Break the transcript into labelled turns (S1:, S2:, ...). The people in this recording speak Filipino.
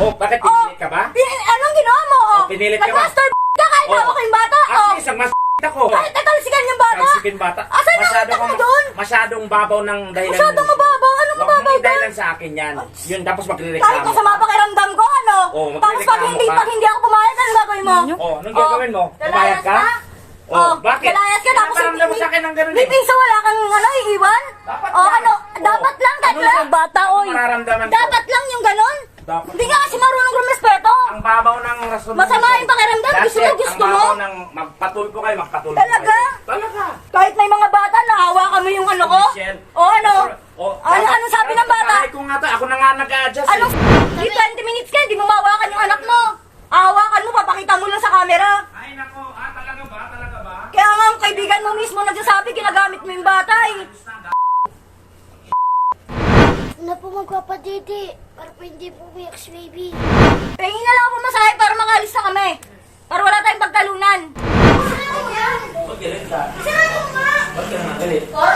S1: Oh, bakit pinilit ka ba?
S2: Anong ginawa mo?
S1: Pinilit ka ba?
S2: Nag-master ka kahit hawak yung bata.
S1: Isang ako.
S2: Kahit natalsikan yung bata.
S1: Talsikin bata.
S2: Asan yung utak mo doon?
S1: Masyadong babaw ng dahilan.
S2: Masyadong mababaw? Anong mababaw
S1: Huwag
S2: doon?
S1: dahilan sa akin yan. Yun, tapos magre-reklamo.
S2: Kahit masama pakiramdam ko, ano? Tapos pag hindi ako pumayag, ano gagawin mo?
S1: Anong gagawin mo? Pumayag ka? Bakit?
S2: Kalayas ka, tapos
S1: Nakaramdam mo sa akin ng ganun
S2: may piso wala kang iiwan? Dapat lang, bata, oy.
S1: Mararamdaman ko.
S2: Dapat lang yung ganun.
S1: Dapat.
S2: Hindi ka kasi marunong rumespeto.
S1: Ang babaw ng rason.
S2: Masama yung pakiramdam, gusto mo?
S1: Ang babaw ng magpatulpo kayo, magpatulpo
S2: Talaga?
S1: kayo. Talaga.
S2: Kahit may mga bata, nahawakan mo yung ano ko?
S1: Michelle.
S2: Ano sabi ng bata?
S1: Ko nga to, ako na nga nag-a-adjust.
S2: Di 20 minutes ka, hindi mo mahawakan yung anak mo. Hawakan mo, papakita mo lang sa camera.
S1: Ay nako, talaga ba? Talaga ba?
S2: Kaya nga ang kaibigan mo mismo nagsasabi, ginagamit mo yung bata eh.
S3: Na po magpapadidi para po hindi po umiyak si baby.
S2: Pahingin na lang ako masahe para makalis na kami. Para wala tayong pagtalunan.
S1: Ba't galit ka?
S2: Saan mo nga?
S1: Ba't ka naman galit?